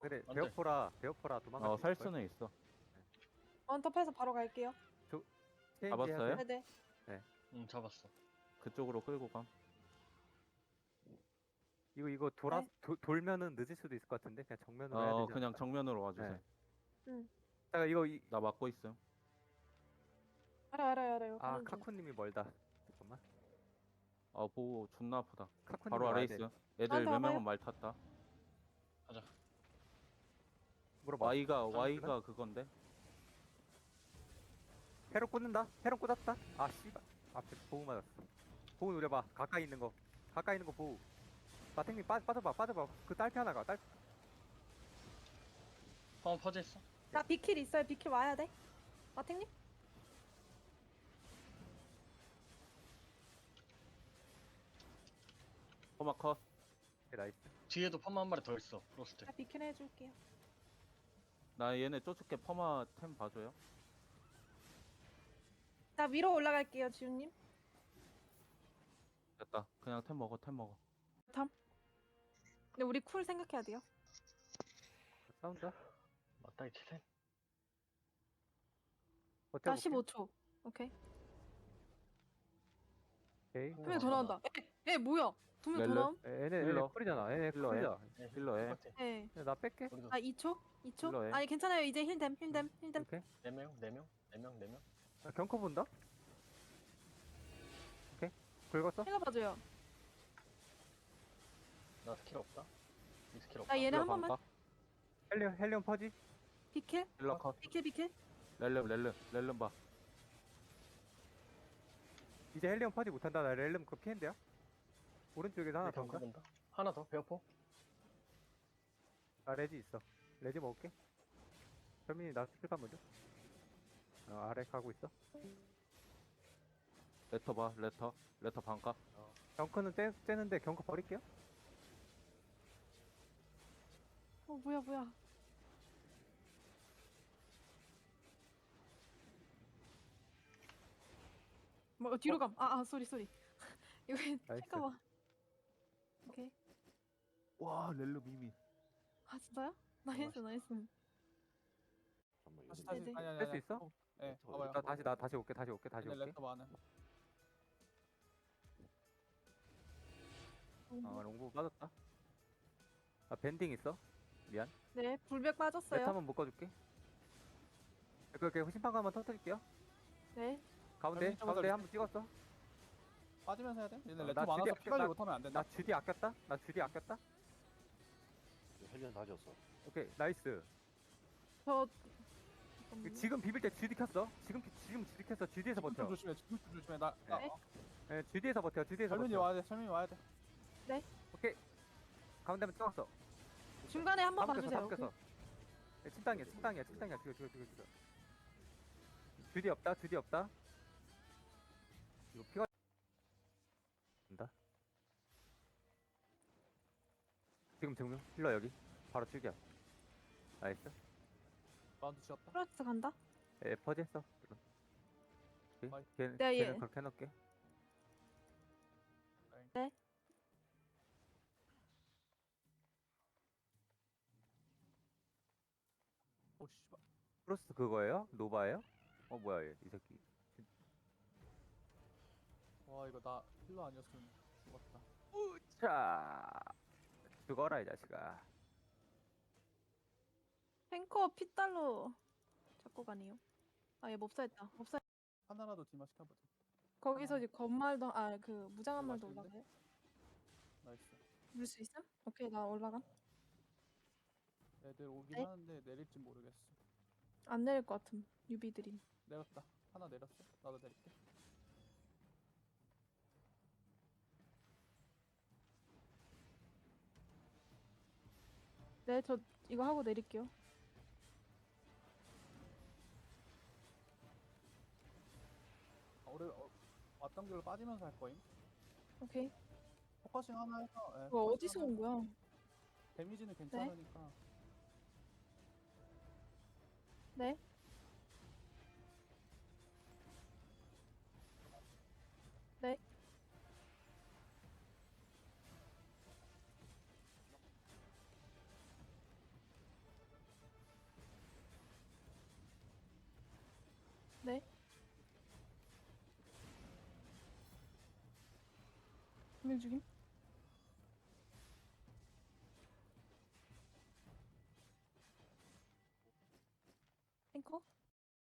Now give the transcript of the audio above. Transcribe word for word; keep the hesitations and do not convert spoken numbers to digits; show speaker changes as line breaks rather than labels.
그래
안 돼.
베어포라 베어포라 도망갈
어
수
살
있을걸?
수는 있어.
원톱해서 바로 갈게요.
체인지
잡았어요?
하세요.
네네.
응 잡았어.
그쪽으로 끌고 감.
이거 이거 돌아
네.
도, 돌면은 늦을 수도 있을 것 같은데 그냥 정면으로 해야
어
되지
그냥
않을까?
정면으로 와주세요.
네.
응.
자 이거 이,
나 막고 있음.
알아요 알아요 알아요.
아
가는 중.
카쿠님이 멀다. 잠깐만.
아 보호 존나 아프다.
카쿠님
바로 아래
와야
있어.
돼.
애들
저한테
몇
와봐요.
명은 말 탔다.
가자.
물어봐.
Y가
아,
Y가 그건데.
헤로 꽂는다. 헤로 꽂았다. 아 씨발. 앞에 보우 맞았어. 보우 노려봐. 가까이 있는 거. 가까이 있는 거 보우. 마탱님 빠 빠져봐 빠져봐. 그 딸피 하나가 딸.
파워 퍼져 있어.
나 비킬 있어요. 비킬 와야 돼. 마탱님?
허마 컷.
오케이, 나이스.
뒤에도 펌마 한 마리 더 있어. 프로스트.
나 비킬 해줄게요.
나 얘네 쫓을게. 퍼마 템 봐줘요.
나 위로 올라갈게요, 지훈님.
됐다. 그냥 템 먹어 템 먹어.
탐. 근데 우리 쿨 생각해야 돼요.
싸운다.
맞다 이 칠센.
나
버텨볼게.
십오 초. 오케이.
오케이.
한 명 더 나온다. 에, 에 뭐야? 두 명 더
렐레?
나옴?
에, 얘네
힐러.
얘네 쿨이잖아. 얘네
힐러 해.
쿨이야.
네,
힐러해.
똑같아.
네.
야, 나 뺄게.
우리도
나 이 초? 이 초?
힐러해.
아니 괜찮아요. 이제 힐댐, 힐댐, 힐댐, 힐댐.
오케이.
네 명, 네 명, 네 명, 네 명.
아, 경커 본다. 오케이. 긁었어.
힐러 봐줘요.
나 스킬 없다. 이 스킬 없다.
나 얘네
힐러
한 번만.
반가?
헬리온 헬리온 퍼지.
비킬?
힐러 컷.
비킬, 비킬.
렐름 렐름 렐름 봐.
이제 헬리온 퍼지 못한다. 나 렐름 그거 피했는데요. 오른쪽에서 하나
네,
더
경고
온다.
본다. 하나 더 베어포.
아 레지 있어. 레지 먹을게. 현민이 나 스킬판 먼저. 어, 아래 가고 있어.
레터 봐 레터. 레터 반가.
경커는 떼, 떼는데 경커 버릴게요.
어 뭐야 뭐야. 뭐 어, 뒤로 감. 아, 아 쏘리 쏘리. 이거 잠깐만. 오케이.
와 렐름 이미.
아 진짜요? 나이스 나이스.
다시
네네.
다시 아니 아니
뺄수
아니.
있어?
어, 예. 네, 봐봐요.
나 다시 나 다시 올게. 다시 올게. 다시
근데
올게.
랩터 많은.
아 롱부 빠졌다. 아 밴딩 있어. 미안.
네, 불백
레트
빠졌어요.
한번 묶어줄게. 그렇게 후심판 한번 터뜨릴게요.
네.
가운데
여기
가운데
잡아서
한번 찍었어.
빠지면서 해야 돼? 얘네
어,
랩터
나
많아서
주디-
피 관리
나-
못하면 안 된다.
나 주디 아꼈다. 나 주디 아꼈다.
헬리온 다 졌어.
오케이 나이스.
저
그 지금 비빌 때 주디 켰어. 지금 지금 주디 켰어. 주디에서
좀
버텨.
조심해. 좀 조심해. 나, 나
네.
어,
예, 주디에서 버텨. 주디에서
설민이
버텨.
와야 돼. 설민이 와야 돼.
오케이. 가운데 한번 찍었어.
중간에 한 번
다 묶였어. 다
봐주세요.
묶였어. 예, 침땅이야. 침땅이야. 침땅이야. 죽여 죽여 죽여 죽여. 주디 없다. 주디 없다. 이거 피가 된다. 지금 증명 힐러 여기 바로 죽여. 나이스.
마운트 지었다.
프로젝트 간다.
에 퍼지 했어. 오케이.
아이.
걔,
네, 예.
걔는 그렇게 해놓을게.
네.
오 씨발.
프로스트 그거예요? 노바예요? 어 뭐야 얘 이 새끼.
와 이거 나 힐러 아니었으면 죽었다.
자 죽어라 이 자식아.
탱커 피달로 잡고 가네요. 아, 얘 몹사했다. 몹사.
하나라도 딜마 시켜보자.
거기서 이제 건말도 아 그 무장한
이거
말도
맛있는데?
올라가요.
나이스.
물 수 있음? 오케이, 나 올라감.
애들 오긴
네.
하는데 내릴지 모르겠어.
안 내릴 것 같음. 유비들이.
내렸다. 하나 내렸어. 나도 내릴게.
네, 저 이거 하고 내릴게요.
아, 우리 어, 왔던 길로 빠지면서 할 거임.
오케이.
포커싱 하나 해서. 예,
이거
포커싱
어디서
하나
온 거야?
데미지는 괜찮으니까.
네. 네. 네. 분명 죽임. 탱커?